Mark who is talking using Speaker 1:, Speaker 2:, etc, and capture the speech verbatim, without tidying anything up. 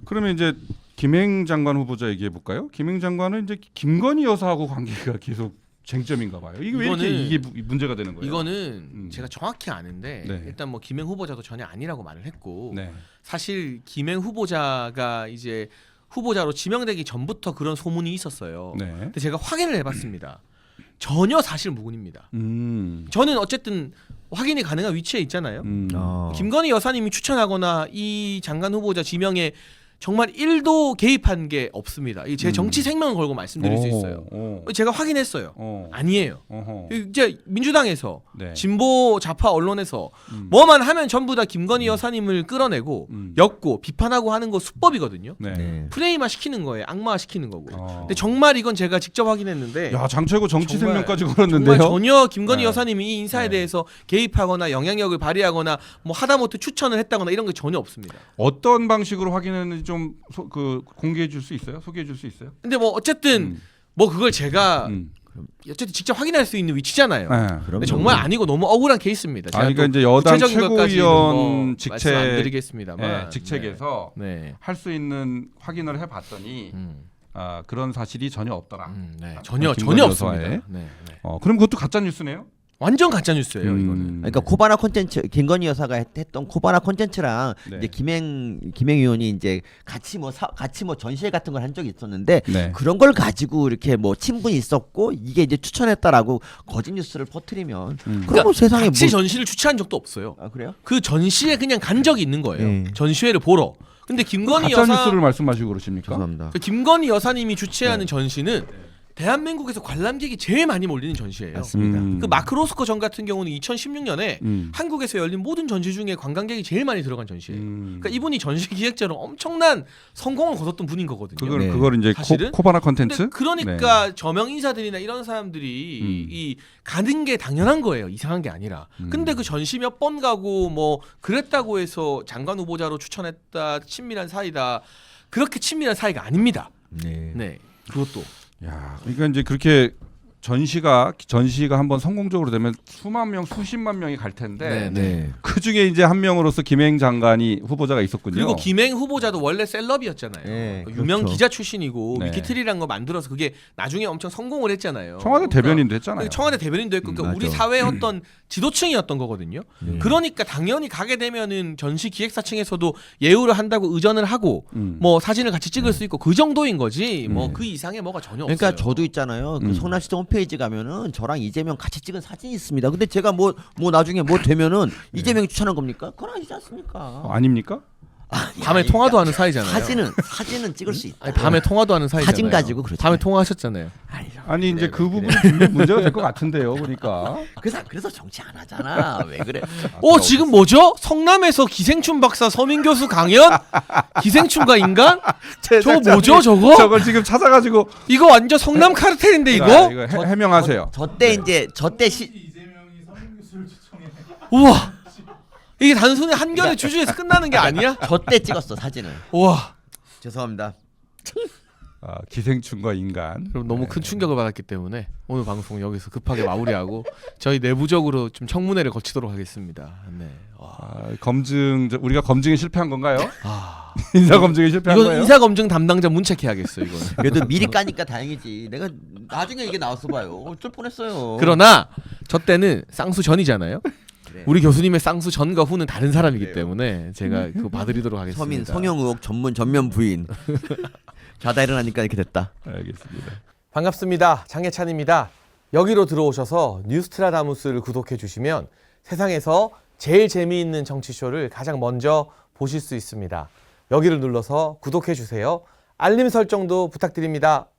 Speaker 1: 그러면 이제 김행 장관 후보자 얘기해 볼까요? 김행 장관은 이제 김건희 여사하고 관계가 계속 쟁점인가 봐요. 이게 왜 이렇게 이게 문제가 되는 거예요?
Speaker 2: 이거는
Speaker 1: 음.
Speaker 2: 제가 정확히 아는데
Speaker 1: 네.
Speaker 2: 일단 뭐 김행 후보자도 전혀 아니라고 말을 했고
Speaker 1: 네.
Speaker 2: 사실 김행 후보자가 이제 후보자로 지명되기 전부터 그런 소문이 있었어요.
Speaker 1: 네.
Speaker 2: 근데 제가 확인을 해봤습니다. 전혀 사실 무근입니다.
Speaker 1: 음.
Speaker 2: 저는 어쨌든 확인이 가능한 위치에 있잖아요.
Speaker 1: 음.
Speaker 3: 어.
Speaker 2: 김건희 여사님이 추천하거나 이 장관 후보자 지명에 정말 일도 개입한 게 없습니다. 이게 제
Speaker 1: 음.
Speaker 2: 정치 생명을 걸고 말씀드릴 수 있어요.
Speaker 1: 오.
Speaker 2: 제가 확인했어요.
Speaker 1: 어.
Speaker 2: 아니에요.
Speaker 1: 어허.
Speaker 2: 이제 민주당에서
Speaker 1: 네.
Speaker 2: 진보 좌파 언론에서
Speaker 1: 음.
Speaker 2: 뭐만 하면 전부 다 김건희 여사님을 끌어내고
Speaker 1: 음.
Speaker 2: 엮고 비판하고 하는 거 수법이거든요.
Speaker 1: 네.
Speaker 3: 네.
Speaker 2: 프레임화 시키는 거예요. 악마화 시키는 거고.
Speaker 1: 어.
Speaker 2: 근데 정말 이건 제가 직접 확인했는데
Speaker 1: 야, 장최고 정치
Speaker 2: 정말-
Speaker 1: 생명까지
Speaker 2: 정말
Speaker 1: 걸었는데요.
Speaker 2: 전혀 김건희
Speaker 1: 네.
Speaker 2: 여사님이 이 인사에
Speaker 1: 네.
Speaker 2: 대해서 개입하거나 영향력을 발휘하거나 뭐 하다못해 추천을 했다거나 이런 게 전혀 없습니다.
Speaker 1: 어떤 방식으로 확인했는지 좀 그 공개해 줄 수 있어요? 소개해 줄 수 있어요?
Speaker 2: 근데 뭐 어쨌든
Speaker 1: 음.
Speaker 2: 뭐 그걸 제가
Speaker 1: 음.
Speaker 2: 어쨌든 직접 확인할 수 있는 위치잖아요.
Speaker 1: 네.
Speaker 2: 근데 정말 아니고 너무 억울한 케이스입니다. 제가
Speaker 1: 아, 그러니까
Speaker 2: 또
Speaker 1: 이제 여당
Speaker 2: 구체적인 것까지는
Speaker 1: 최고위원
Speaker 2: 뭐
Speaker 1: 직책
Speaker 2: 말씀 안 드리겠습니다만
Speaker 1: 네, 직책에서
Speaker 2: 네. 네.
Speaker 1: 할 수 있는 확인을 해봤더니
Speaker 2: 음,
Speaker 1: 아, 그런 사실이 전혀 없더라.
Speaker 2: 음, 네.
Speaker 1: 아,
Speaker 2: 전혀
Speaker 1: 김건희
Speaker 2: 전혀
Speaker 1: 여사의?
Speaker 2: 없습니다. 네, 네.
Speaker 1: 어, 그럼 그것도 가짜 뉴스네요?
Speaker 2: 완전 가짜 뉴스예요.
Speaker 1: 음.
Speaker 2: 이거는.
Speaker 3: 그러니까 코바나 콘텐츠 김건희 여사가 했, 했던 코바나 콘텐츠랑
Speaker 1: 네.
Speaker 3: 이제 김행 김행 의원이 이제 같이 뭐 사, 같이 뭐 전시회 같은 걸 한 적이 있었는데
Speaker 1: 네.
Speaker 3: 그런 걸 가지고 이렇게 뭐 친분이 있었고 이게 이제 추천했다라고 거짓 뉴스를 퍼뜨리면
Speaker 1: 음.
Speaker 3: 그럼 뭐 세상에 뭐
Speaker 2: 같이 전시를 추천한 적도 없어요.
Speaker 3: 아 그래요?
Speaker 2: 그 전시에 그냥 간 적이 있는 거예요.
Speaker 3: 네.
Speaker 2: 전시회를 보러. 근데 김건희
Speaker 1: 가짜
Speaker 2: 여사
Speaker 1: 뉴스를 말씀하시고 그러십니까?
Speaker 3: 죄송합니다.
Speaker 2: 그 김건희 여사님이 주최하는
Speaker 1: 네.
Speaker 2: 전시는 대한민국에서 관람객이 제일 많이 몰리는 전시예요.
Speaker 3: 맞습니다.
Speaker 1: 음.
Speaker 2: 그 마크 로스코 전 같은 경우는 이천십육 년에
Speaker 1: 음.
Speaker 2: 한국에서 열린 모든 전시 중에 관광객이 제일 많이 들어간 전시예요.
Speaker 1: 음.
Speaker 2: 그러니까 이분이 전시 기획자로 엄청난 성공을 거뒀던 분인 거거든요.
Speaker 1: 그걸
Speaker 3: 네.
Speaker 1: 그걸 이제
Speaker 2: 사실은?
Speaker 1: 코, 코바나
Speaker 2: 근데
Speaker 1: 컨텐츠?
Speaker 2: 그러니까 저명 인사들이나 이런 사람들이
Speaker 1: 음.
Speaker 2: 이 가는 게 당연한 거예요. 이상한 게 아니라.
Speaker 1: 음.
Speaker 2: 근데 그 전시 몇 번 가고 뭐 그랬다고 해서 장관 후보자로 추천했다 친밀한 사이다. 그렇게 친밀한 사이가 아닙니다.
Speaker 3: 네.
Speaker 2: 네. 그것도.
Speaker 1: 야, 그러니까 이제 그렇게 전시가 전시가 한번 성공적으로 되면 수만 명, 수십만 명이 갈 텐데
Speaker 2: 네,
Speaker 3: 네.
Speaker 1: 그 중에 이제 한 명으로서 김행 장관이 후보자가 있었군요.
Speaker 2: 그리고 김행 후보자도 원래 셀럽이었잖아요.
Speaker 3: 네,
Speaker 2: 그 유명
Speaker 3: 그렇죠.
Speaker 2: 기자 출신이고
Speaker 1: 네.
Speaker 2: 위키트리라는 거 만들어서 그게 나중에 엄청 성공을 했잖아요.
Speaker 1: 청와대
Speaker 2: 그러니까
Speaker 1: 대변인도 했잖아요.
Speaker 2: 청와대 대변인도 했고
Speaker 3: 음,
Speaker 2: 그러니까 우리
Speaker 3: 맞아.
Speaker 2: 사회의 어떤 지도층이었던 거거든요.
Speaker 3: 네.
Speaker 2: 그러니까 당연히 가게 되면은 전시 기획사층에서도 예우를 한다고 의전을 하고
Speaker 1: 음.
Speaker 2: 뭐 사진을 같이 찍을 수 있고 그 정도인 거지 뭐
Speaker 1: 네.
Speaker 2: 그 이상의 뭐가 전혀
Speaker 3: 그러니까
Speaker 2: 없어요.
Speaker 3: 저도 있잖아요. 그
Speaker 1: 음.
Speaker 3: 성남시청 홈페이지 가면은 저랑 이재명 같이 찍은 사진이 있습니다. 근데 제가 뭐 뭐 나중에 뭐 되면은 이재명이 추천한 겁니까? 그건 아니지 않습니까?
Speaker 1: 어, 아닙니까?
Speaker 2: 밤에
Speaker 3: 아니,
Speaker 2: 통화도
Speaker 3: 그러니까
Speaker 2: 하는 사이잖아요.
Speaker 3: 사진은 사진은 찍을 수 있다.
Speaker 2: 아니, 밤에 통화도 하는 사이잖아요.
Speaker 3: 사진 가지고 그렇죠.
Speaker 2: 밤에 통화하셨잖아요.
Speaker 3: 아니,
Speaker 1: 아니 이제
Speaker 3: 그래,
Speaker 1: 그
Speaker 3: 왜
Speaker 1: 부분이 분명히 문제가 될 것 같은데요. 보니까.
Speaker 3: 그래서 그래서 정치 안 하잖아. 왜 그래?
Speaker 2: 어 지금 뭐죠? 성남에서 기생충 박사 서민 교수 강연? 기생충과 인간? 저거 뭐죠 저거?
Speaker 1: 저걸 지금 찾아가지고
Speaker 2: 이거 완전 성남 카르텔인데 이거?
Speaker 1: 아, 이거 해, 해명하세요.
Speaker 3: 저때 이제 저때 시
Speaker 2: 우와 이게 단순히 한결의 주주에서 끝나는 게 아니야?
Speaker 3: 저때 찍었어 사진을.
Speaker 2: 우와
Speaker 3: 죄송합니다.
Speaker 1: 아, 기생충과 인간.
Speaker 2: 그럼 너무 큰 충격을 받았기 때문에 오늘 방송 여기서 급하게 마무리하고 저희 내부적으로 좀 청문회를 거치도록 하겠습니다. 네. 와.
Speaker 1: 아, 검증 저- 우리가 검증에 실패한 건가요?
Speaker 2: 아.
Speaker 1: 인사 검증에 실패한
Speaker 2: 이건
Speaker 1: 거예요?
Speaker 2: 인사 검증 담당자 문책해야겠어 이거는.
Speaker 3: 그래도 미리 까니까 다행이지. 내가 나중에 이게 나왔어 봐요. 어쩔 뻔했어요.
Speaker 2: 그러나 저 때는 쌍수 전이잖아요.
Speaker 3: 그래.
Speaker 2: 우리 교수님의 쌍수 전과 후는 다른 사람이기 때문에 제가 그거 봐드리도록 하겠습니다.
Speaker 3: 서민 성형 의혹 전문 전면 부인. 자다 일어나니까 이렇게 됐다.
Speaker 1: 알겠습니다.
Speaker 2: 반갑습니다. 장혜찬입니다. 여기로 들어오셔서 뉴스트라다무스를 구독해 주시면 세상에서 제일 재미있는 정치쇼를 가장 먼저 보실 수 있습니다. 여기를 눌러서 구독해 주세요. 알림 설정도 부탁드립니다.